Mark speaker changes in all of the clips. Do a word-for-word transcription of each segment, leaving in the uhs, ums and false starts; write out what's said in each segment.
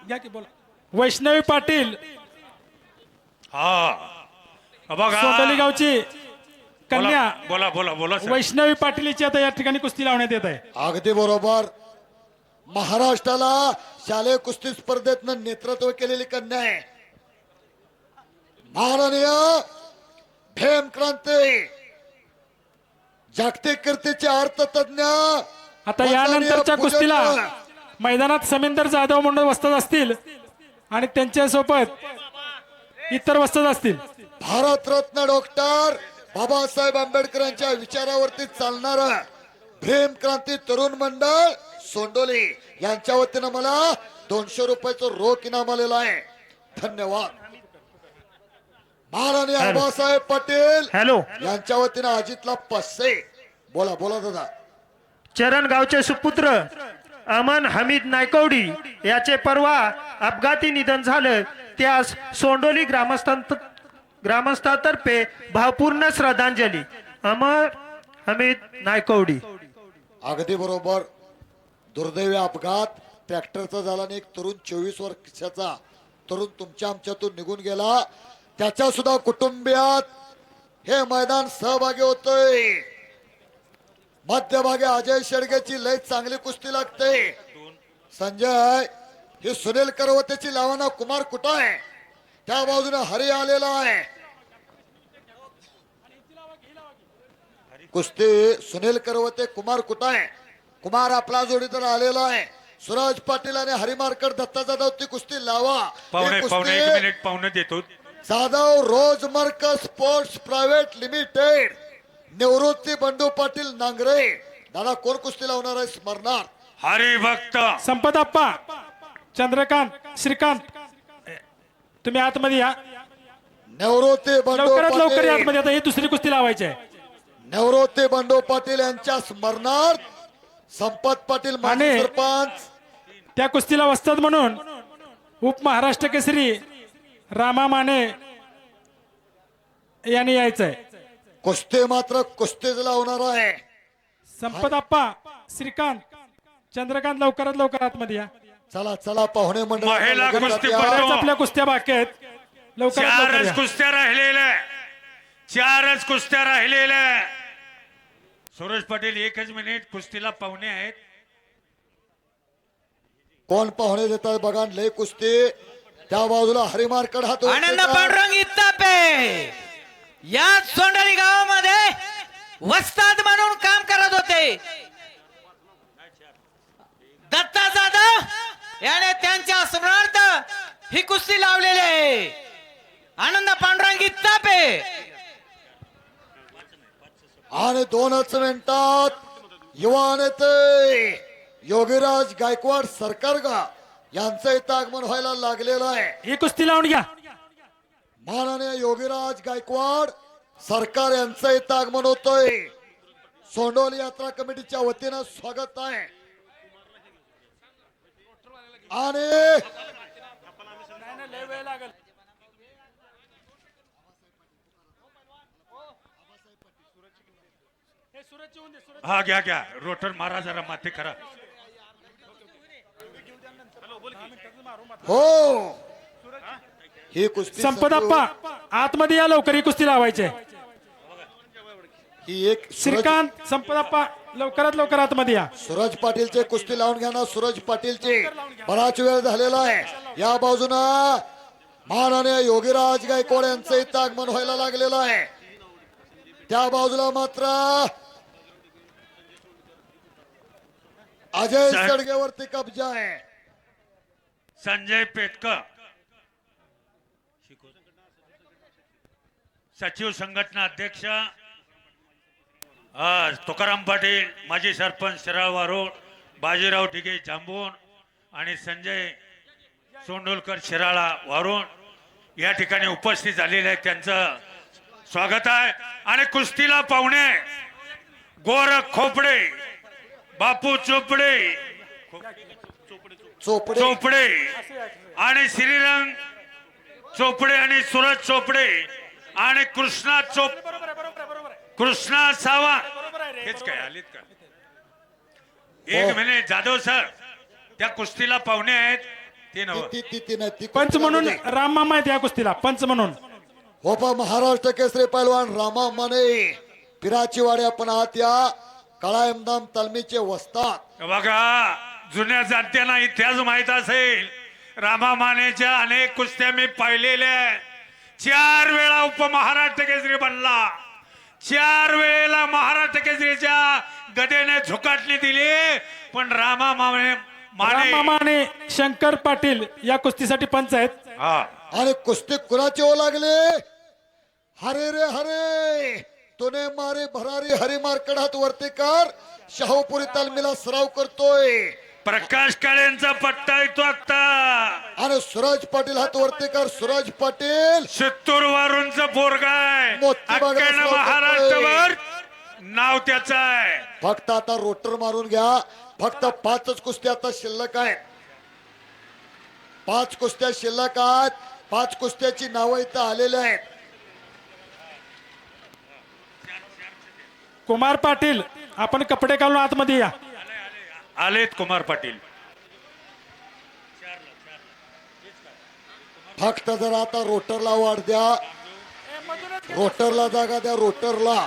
Speaker 1: घ्या की बोला वैष्णवी पाटील
Speaker 2: हा बघा
Speaker 1: सोंडोली गावची कन्या
Speaker 2: बोला बोला बोला सर.
Speaker 1: वैष्णवी पाटीलची आता या ठिकाणी कुस्ती लावण्यात येत आहे.
Speaker 3: अगदी बरोबर. महाराष्ट्राला शालेय कुस्ती स्पर्धेतनं नेतृत्व केलेली कन्या आहे. माननीय भीम क्रांती जागतिक कीर्तीचे अर्थतज्ञ
Speaker 1: आता यानंतरच्या कुस्तीला मैदानात समिंदर जाधव म्हणून वस्तात असतील आणि त्यांच्या सोबत इतर वस्तात असतील.
Speaker 3: भारतरत्न डॉक्टर बाबासाहेब आंबेडकर यांच्या विचारावरती चालणार भीम क्रांती तरुण मंडळ सोंडोली यांच्या वतीनं मला दोनशे रुपयाचं रोख इनाम आलेलं आहे. धन्यवाद. माननीय आबासाहेब पाटील
Speaker 4: हॅलो
Speaker 3: यांच्या वतीनं अजितला पाचशे. बोला बोला दादा.
Speaker 4: चरण गावचे सुपुत्र अमन हमीद नायकवडी याचे परवा अपघाती निधन झालं. त्यास सोंडोली ग्रामस्थांत ग्रामस्थातर्फे भावपूर्ण श्रद्धांजली. अमर हमीद नायकवडी.
Speaker 3: अगदी बरोबर. दुर्दैवी अपघात ट्रॅक्टरचा झाला आणि एक तरुण चोवीस वर्षाचा तरुण तुमच्या आमच्यातून निघून गेला. त्याच्या सुद्धा कुटुंबियात हे मैदान सहभागी होतोय. मध्यभागी अजय शेडगेची लय चांगली कुस्ती लागते. संजय ही सुनील करवतेची लावणा कुमार कुठं आहे त्या बाजूने हरी आलेला आहे. कुस्ती सुनील करवते कुमार कुठं आहे. कुमार आपला जोडीदार आलेला आहे. सूरज पाटील आणि हरिमारकर दत्ता जाधव ती कुस्ती लावा.
Speaker 2: पाहुणे पाहुणे एक मिनिट पाहुणे देतो.
Speaker 3: जाधव रोजमर्क sports private limited Nivrutti Bandu Patil Nangare. दादा कोण कुस्ती लावणार आहे स्मरणार
Speaker 2: हरिभक्त
Speaker 1: संपत आप्पा चंद्रकांत श्रीकांत तुम्ही आतमध्ये या.
Speaker 3: निवृत्ती बंडू
Speaker 1: लवकरात लवकर या
Speaker 3: पाटील
Speaker 1: आतमध्ये. आता ही दुसरी कुस्ती लावायची आहे.
Speaker 3: निवृत्ती बंडू पाटील यांच्या स्मरणार्थ संपत पाटील माजी
Speaker 1: आणि-
Speaker 3: सरपंच
Speaker 1: त्या कुस्तीला वस्तात म्हणून उपमहाराष्ट्र केसरी रामा माने यांनी यायचंय.
Speaker 3: कुस्ती मात्र कुस्तीच लावणार आहे.
Speaker 1: संपत आप्पा श्रीकांत चंद्रकांत लवकरात लवकर आतमध्ये या.
Speaker 3: चला चला पाहुणे
Speaker 2: महिला
Speaker 3: मंडळ
Speaker 2: कुस्ती
Speaker 1: बऱ्याच आपल्या कुस्त्या बाकी आहेत. लवकरात लवकर
Speaker 2: चारच
Speaker 1: या.
Speaker 2: कुस्त्या राहिलेल्या चारच कुस्त्या राहिलेल्या. सूरज पाटील एकच मिनिट कुस्तीला पाहुणे आहेत.
Speaker 3: कोण पाहुणे देतात बघा. लय कुस्ती त्या बाजूला हरिमारकड हात
Speaker 5: आनंद पांडुरंग इत्तापे या सोंडली गावामध्ये वस्ताद म्हणून काम करत होते. दत्ता जाधव याने त्यांच्या स्मरणार्थ ही कुस्ती लावलेली आहे. आनंद पांडुरंग इत्तापे
Speaker 3: आणि दोनच मिनिटात युवा नेते योगीराज गायकवाड सरकारगा यांचं इथं आगमन व्हायला लागलेलं आहे.
Speaker 1: ही कुस्ती लावून घ्या.
Speaker 3: माननीय योगीराज गायकवाड सरकार यांचं इथं आगमन होतोय. सोंडोली यात्रा कमिटीच्या वतीनं स्वागत आहे. आणि
Speaker 2: हा घ्या घ्या रोटर मारा जरा माथे करा.
Speaker 3: हो ही कुस्ती
Speaker 1: संपत आप्पा आतमध्ये या लवकर. ही कुस्ती लावायची आहे.
Speaker 3: ही एक सूरज
Speaker 1: श्रीकांत संपत आप्पा लवकरात लवकर आतमध्ये या.
Speaker 3: सूरज पाटीलचे कुस्ती लावून घ्या ना. सूरज पाटीलचे बराच वेळ झालेला आहे. या बाजूनं माननीय योगीराज गायकवाड यांचं इथं आगमन व्हायला लागलेलं आहे. त्या बाजूला मात्र अजय
Speaker 2: साहेब.
Speaker 3: सडगेवरती कब्जा आहे.
Speaker 2: संजय पेटकर सचिव संघटना अध्यक्ष आज तुकाराम पाटील माजी सरपंच शिराळ वारोड बाजीराव ढिगे जांबून आणि संजय सोंडोलकर शिराळा वारोड या ठिकाणी उपस्थित झालेले आहेत. त्यांचं स्वागत आहे. आणि कुस्तीला पाहुणे गोरख खोपडे बापू चोपडे
Speaker 3: चोपडे
Speaker 2: चोपडे आणि श्रीरंग चोपडे आणि सूरज चोपडे आणि कृष्णा चोप कृष्णा सावंत हेच काय आलीत का. एक मिनिट जाधव सर त्या कुस्तीला पाहुणे आहेत. ती नव
Speaker 3: ती ती ती नाही ती
Speaker 1: पंच
Speaker 3: कुस्ती
Speaker 1: म्हणून
Speaker 3: लागू दे.
Speaker 1: राम मामा आहेत या कुस्तीला, पंच म्हणून.
Speaker 3: होपा महाराष्ट्र केसरी पैलवान रामा माने पिराची वाडी आपण आहात या काळा इमदाम तालमीचे वस्ताद.
Speaker 2: बघा जुन्या जाणत्यांना इतिहास माहित असेल, रामा मानेच्या अनेक कुस्त्या मी पाहिलेल्या आहेत. चार वेळा उपमहाराष्ट्र केसरी बनला, चार वेळेला महाराष्ट्र केसरीच्या गदेने झुकाटणी दिली, पण रामा माने
Speaker 1: राम
Speaker 2: माने
Speaker 1: मामा आणि शंकर पाटील या कुस्तीसाठी पंच आहेत.
Speaker 2: हा
Speaker 3: आणि कुस्ती कुणाचे हो लागले? हरे रे हरे तोने मारे भरारी हरिमार कडात वर्तेकर शाहूपुरी तालमीला सराव करतोय.
Speaker 2: प्रकाश काळेंचा पट्टा येतो आता,
Speaker 3: आणि सूरज पाटील हात वर्तेकर सूरज पाटील
Speaker 2: चित्तूर वरूनच पोरगाय,
Speaker 3: मोती बागेत
Speaker 2: अख्ख्या
Speaker 3: असला
Speaker 2: महाराष्ट्रभर नाव त्याचं आहे.
Speaker 3: फक्त आता रोटर मारून घ्या. फक्त पाचच कुस्त्या आता शिल्लक आहेत. पाच कुस्त्या शिल्लक आहेत. पाच कुस्त्याची नावं इथं आलेली आहेत.
Speaker 1: कुमार पाटील आपण कपडे घालून आतमध्ये या.
Speaker 2: आलेत कुमार पाटील.
Speaker 3: फक्त जर आता रोटरला वाढ द्या, रोटरला जागा द्या, रोटरला.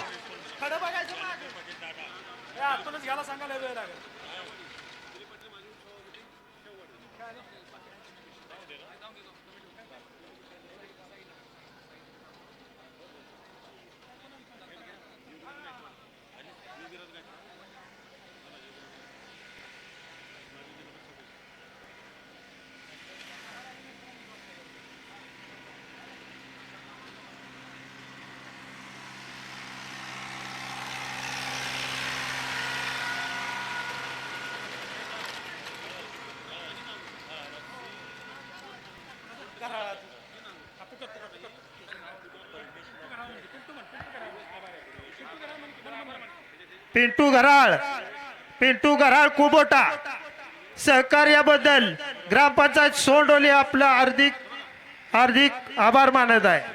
Speaker 4: पिंटू घराळ पिंटू घराळ कुबोटा सहकार्याबद्दल ग्रामपंचायत सोंडोली आपला हार्दिक हार्दिक आभार मानत आहे.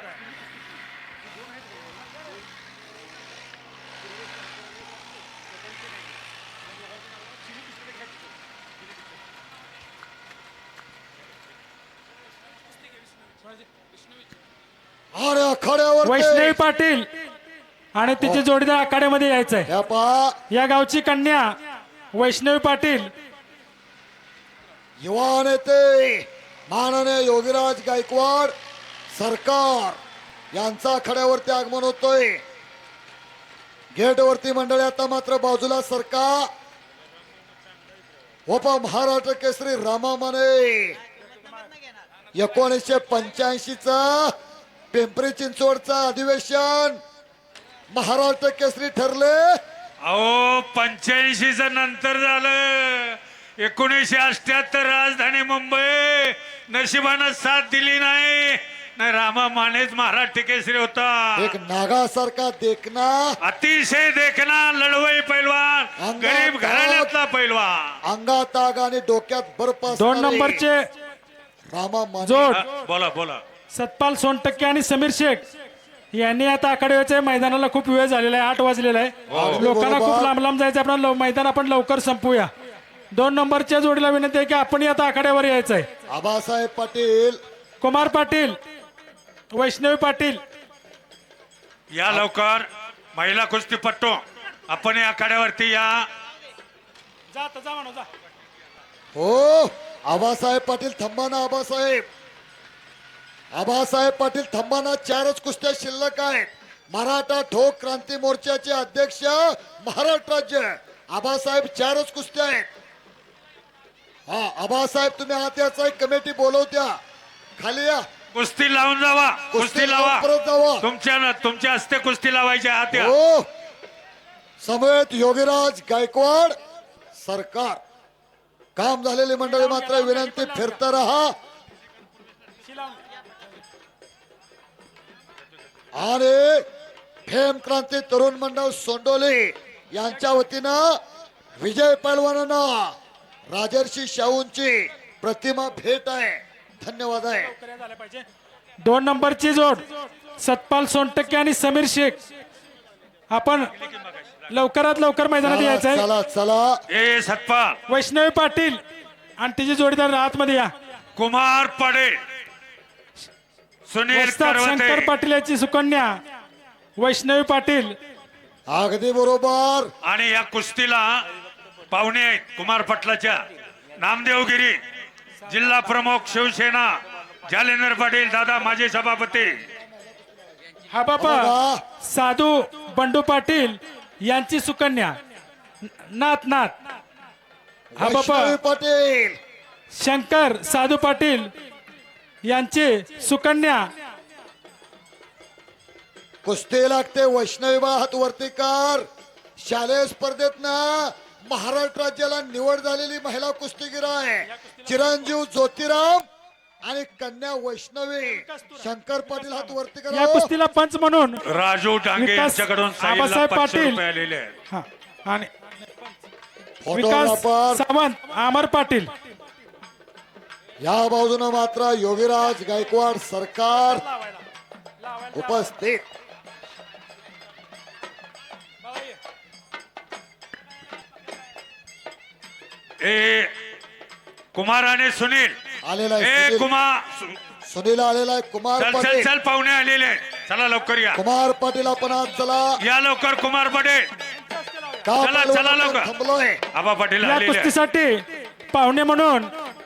Speaker 3: अरे आखाड्यावर
Speaker 1: वैष्णवी पाटील आणि तिचे जोडीदार आखाड्यामध्ये यायचंय.
Speaker 3: ह्या पहा
Speaker 1: या गावची कन्या वैष्णवी पाटील.
Speaker 3: युवा नेते माननीय योगीराज गायकवाड सरकार यांचा आखाड्यावरती आगमन होतोय. गेटवरती मंडळी आता मात्र बाजूला सरका. होपा महाराष्ट्र केसरी रामा माने एकोणीसशे पंच्याऐंशी चा पिंपरी चिंचवडचा अधिवेशन महाराष्ट्र केसरी ठरले.
Speaker 2: अहो पंच्याऐंशी च नंतर झालं. एकोणीसशे अठ्याहत्तर राजधानी मुंबई नशिबानं साथ दिली नाही. नाही रामा मानेच महाराष्ट्र केसरी होता.
Speaker 3: एक नागासारखा देखना,
Speaker 2: अतिशय देखना लढवई पैलवान,
Speaker 3: अंगात
Speaker 2: गरीब घराण्यातला पैलवान.
Speaker 3: अंगात आग आणि डोक्यात बर्फ
Speaker 1: दोन
Speaker 3: असणारे
Speaker 1: नंबरचे
Speaker 3: रामा माने.
Speaker 1: जोड
Speaker 2: हा, बोला बोला.
Speaker 1: सतपाल सोनटक्के आणि समीर शेख यांनी आता आखाड्याच्या मैदानाला खूप वेळ झालेला आहे. आठ वाजलेला आहे. लोकांना खूप
Speaker 3: बरोबर.
Speaker 1: लांब लांब जायचं. आपण लव- मैदान आपण लवकर संपूया. दोन नंबरच्या जोडीला विनंती आहे की आपण आता आखाड्यावर यायचं आहे.
Speaker 3: आबासाहेब पाटील
Speaker 1: कुमार पाटील, वैष्णवी पाटील.
Speaker 2: या लवकर महिला कुस्तीपट्टू आपण या आखाड्यावरती या.
Speaker 1: जा आता, जा म्हणू, जा.
Speaker 3: हो आबासाहेब पाटील थांबाना. आबासाहेब आबासाहेब पाटील थांबाना. चारच कुस्त्या शिल्लक आहेत. मराठा ठोक क्रांती मोर्चाचे अध्यक्ष महाराष्ट्र राज्य आबासाहेब चारच कुस्त्या आहेत. हा आबासाहेब तुम्ही आत याचा एक कमिटी बोलवत्या. खाली या.
Speaker 2: कुस्ती लावून जावा. कुस्ती लावा.
Speaker 3: परत जावा.
Speaker 2: तुमच्या तुमच्या हस्ते कुस्ती लावायची आहात या.
Speaker 3: हो समवेत योगीराज गायकवाड सरकार. काम झालेली मंडळी मात्र विनंती फिरता रहा. आणि फेम क्रांती तरुण मंडळ सोंडोली यांच्या वतीनं विजय पैलवानांना राजर्षी शाहूंची प्रतिमा भेट आहे. धन्यवाद आहे.
Speaker 1: दोन नंबरची जोड सतपाल सोनटक्के आणि समीर शेख. आपण लवकरात लवकर मैदानात
Speaker 3: चला
Speaker 1: यायचंय.
Speaker 3: चला चला.
Speaker 2: ए सतपाल
Speaker 1: वैष्णवी पाटील आणि तिची जोडीदार आतमध्ये या.
Speaker 2: कुमार पडेल, सुनील
Speaker 1: वस्ताद शंकर
Speaker 2: करवते
Speaker 1: पाटील याची सुकन्या वैष्णवी पाटील.
Speaker 3: अगदी बरोबर.
Speaker 2: आणि या कुस्तीला पाहुणे आहेत कुमार पटलाच्या नामदेवगिरी जिल्हा प्रमुख शिवसेना जालेंद्र पाटील दादा माजी सभापती.
Speaker 1: हा बाबा
Speaker 3: बघा.
Speaker 1: साधू बंडू पाटील यांची सुकन्या नाथ नाथ. हा बाबा
Speaker 3: वैष्णवी पाटील.
Speaker 1: शंकर साधू पाटील यांची सुकन्या.
Speaker 3: कुस्ती लागते. वैष्णवी बा हात वरती कर. शालेय स्पर्धेत ना महाराष्ट्र राज्याला निवड झालेली महिला कुस्तीगीर आहे चिरंजीव ज्योतिराम आणि कन्या वैष्णवी. शंकर पाटील हात वरती
Speaker 1: या
Speaker 3: करा.
Speaker 1: कुस्तीला पंच म्हणून
Speaker 2: राजू डांगे
Speaker 1: विकास
Speaker 2: यांच्याकडून साईडला
Speaker 1: आबासाहेब
Speaker 2: पाचशे
Speaker 1: पाटील.
Speaker 2: रुपये आलेले आहेत.
Speaker 1: हा आणि
Speaker 3: फोटोग्राफर
Speaker 1: विकास सावंत अमर पाटील.
Speaker 3: या बाजूने मात्र योगीराज गायकवाड सरकार उपस्थित.
Speaker 2: ए कुमार आणि सुनील
Speaker 3: आलेला आहे
Speaker 2: ए
Speaker 3: सुनील.
Speaker 2: कुमार
Speaker 3: सुनील आलेला आहे. कुमार
Speaker 2: चल चल
Speaker 3: पाटील.
Speaker 2: चल पाहुणे आलेले आहेत. चला लवकर या
Speaker 3: कुमार पाटील आपण आज चला
Speaker 2: या लवकर कुमार पटेल.
Speaker 3: का
Speaker 2: चला,
Speaker 3: पाटील
Speaker 2: चला
Speaker 3: आपण
Speaker 2: लवकर.
Speaker 3: थांबलोय.
Speaker 2: आबा पाटील
Speaker 1: या
Speaker 2: आलेले आहेत.
Speaker 1: कुस्तीसाठी पाहुणे म्हणून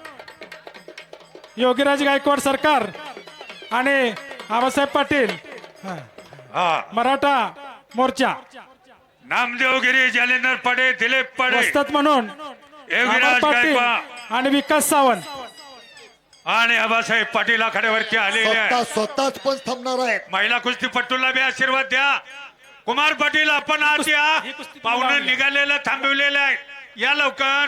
Speaker 1: योगीराज गायकवाड सरकार आणि आबासाहेब पाटील हा,
Speaker 2: हा
Speaker 1: मराठा मोर्चा.
Speaker 2: नामदेवगिरी जालेंद्र पडे दिलीप पडे
Speaker 1: वस्ताद म्हणून
Speaker 2: योगीराज
Speaker 1: अमर पाटील
Speaker 2: गायकवाड
Speaker 1: आणि विकास सावंत.
Speaker 2: आणि आबासाहेब पाटील आखाड्यावरती आलेले
Speaker 3: स्वतः
Speaker 2: आहेत.
Speaker 3: स्वतःच पण थांबणार आहेत.
Speaker 2: महिला कुस्तीपटूला बी आशीर्वाद द्या. कुमार पाटील आपण आत या.
Speaker 1: ही कुस्ती
Speaker 2: पाहुणे
Speaker 1: लावली.
Speaker 2: निघालेलं थांबवलेलं आहे. या लवकर.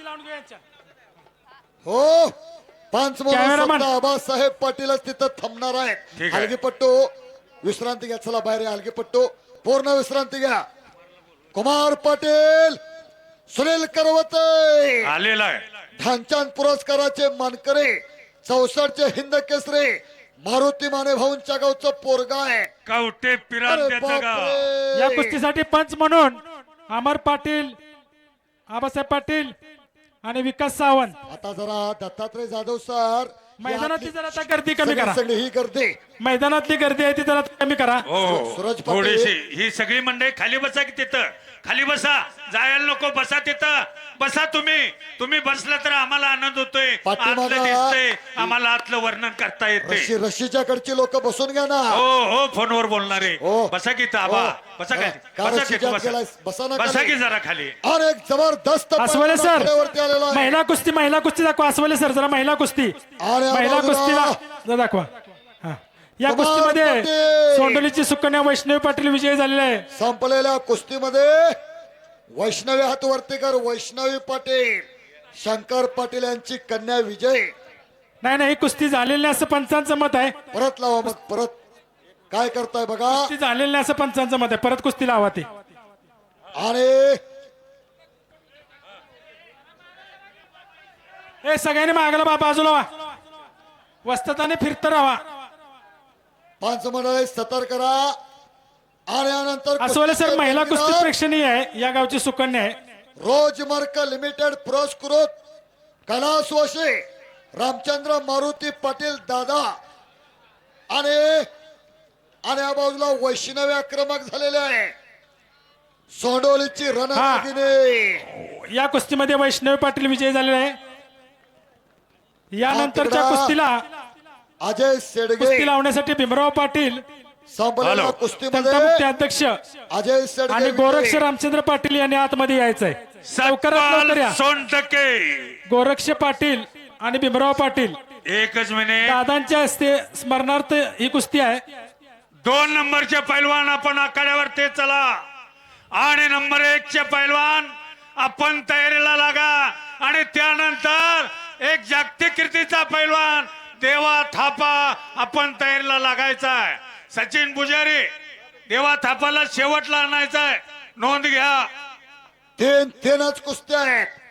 Speaker 3: हो पंच म्हणून
Speaker 1: कॅमेरामन.
Speaker 3: स्वतः आबासाहेब पाटीलच तिथं थांबणार आहेत.
Speaker 2: ठीक आहे.
Speaker 3: हलगीपट्टू विश्रांती घ्या. चला बाहेर या. हलगीपट्टू पूर्ण विश्रांती घ्या. कुमार पाटील सुनील करवते
Speaker 2: आलेला आहे.
Speaker 3: ध्यानचंद पुरस्काराचे मानकरी चौसष्टचे हिंद केसरी मारुती माने भाऊंच्या गावचं पोरगा आहे.
Speaker 2: कवटे
Speaker 3: अरे
Speaker 2: पिरान त्याचं गाव.
Speaker 3: बापरे.
Speaker 1: या कुस्तीसाठी पंच म्हणून अमर पाटील आबासाहेब पाटील आणि विकास सावंत.
Speaker 3: आता जरा दत्तात्रय जाधव सर
Speaker 1: मैदानातली जरा आता गर्दी कमी करा.
Speaker 3: सगळी ही गर्दी
Speaker 1: मैदानातली गर्दी आहे ती जरा कमी करा.
Speaker 2: हो
Speaker 3: सूरज पाटील.
Speaker 2: थोडीशी ही सगळी मंडळी खाली बसा की तिथं. खाली बसा. जायला नको. बसा तिथं. बसा तुम्ही. तुम्ही बसला तर आम्हाला आनंद होतोय.
Speaker 3: पाठीमागं-
Speaker 2: आतलं दिसतंय. आम्हाला आतलं वर्णन करता येते.
Speaker 3: रशी रशीच्या कडची लोक बसून घ्या ना.
Speaker 2: हो हो फोनवर बोलणारे.
Speaker 3: हो.
Speaker 2: बसा की ताबा.
Speaker 3: हो.
Speaker 2: बसा
Speaker 3: का-
Speaker 2: खाली.
Speaker 3: का
Speaker 2: बसा
Speaker 3: रशीच्या
Speaker 2: की
Speaker 3: आत गेलायस?
Speaker 2: बसा.
Speaker 3: बसा ना
Speaker 2: बसा
Speaker 3: खाली.
Speaker 2: की जरा खाली.
Speaker 3: आणि एक जबरदस्त
Speaker 1: अस्वले
Speaker 3: पैलवान
Speaker 1: सर
Speaker 3: आघाडीवरती आलेला आहे.
Speaker 1: महिला कुस्ती महिला कुस्ती दाखवा. अस्वले सर जरा महिला कुस्ती
Speaker 3: आणि
Speaker 1: महिला
Speaker 3: आबाजूला-
Speaker 1: कुस्तीला जरा दाखवा. हा. या
Speaker 3: कुमार
Speaker 1: कुस्तीमध्ये
Speaker 3: पाटील.
Speaker 1: सोंडलीची सुकन्या वैष्णवी पाटील विजयी झालेले आहे.
Speaker 3: संपलेल्या कुस्तीमध्ये वैष्णवी हात वरती कर. वैष्णवी पाटील शंकर पाटील यांची कन्या विजय.
Speaker 1: नाही नाही ही कुस्ती झालेली नाही असं पंचांचं मत आहे.
Speaker 3: परत लावा मग परत काय करताय बघा.
Speaker 1: कुस्ती झालेली नाही असं पंचांचं मत आहे. परत कुस्ती लावा ती.
Speaker 3: आणि
Speaker 1: हे सगळ्यांनी मागला बा बाजूला वा. वस्तादाने फिरत राहा.
Speaker 3: पंच मंडळी सतर्क करा. आणि यानंतर
Speaker 1: अस्वले सर
Speaker 3: कुस्तीचे
Speaker 1: महिला कुस्ती
Speaker 3: दावेदार
Speaker 1: प्रेक्षणीय आहे. या गावची सुकन्या आहे.
Speaker 3: रोजमार्क लिमिटेड पुरस्कृत कैलास वशे रामचंद्र मारुती पाटील दादा आणि आणि या बाजूला वैष्णवी आक्रमक झालेले आहे. सोंडोलीची रणरागिनी.
Speaker 1: या कुस्तीमध्ये वैष्णवी पाटील विजयी झालेले आहे. यानंतरच्या
Speaker 3: हा, तिकडं
Speaker 1: कुस्तीला
Speaker 3: अजय सेडगे
Speaker 1: कुस्ती लावण्यासाठी भीमराव पाटील
Speaker 3: संपलेल्या
Speaker 2: हॅलो.
Speaker 3: कुस्तीमध्ये
Speaker 1: त्यांचा मुख्य अध्यक्ष
Speaker 3: अजय सेडगे
Speaker 1: आणि गोरक्ष
Speaker 3: विजयी.
Speaker 1: रामचंद्र पाटील यांनी आतमध्ये यायचंय. लवकरात लवकर या.
Speaker 2: सोनटके
Speaker 1: गोरक्ष पाटील आणि भीमराव पाटील
Speaker 2: एकच मिनिट.
Speaker 1: दादांच्या हस्ते स्मरणार्थ ही कुस्ती आहे.
Speaker 2: दोन नंबरचे पैलवान आपण आखाड्यावर ते चला. आणि नंबर एक चे पैलवान आपण तयारीला लागा. आणि त्यानंतर एक जागतिक कीर्तीचा पैलवान देवा थापा आपण तयारीला लागायचा आहे. सचिन पुजारी देवा थापाला शेवटला आणायचा आहे. नोंद घ्या.
Speaker 3: तीन तीनच कुस्त्या आहेत.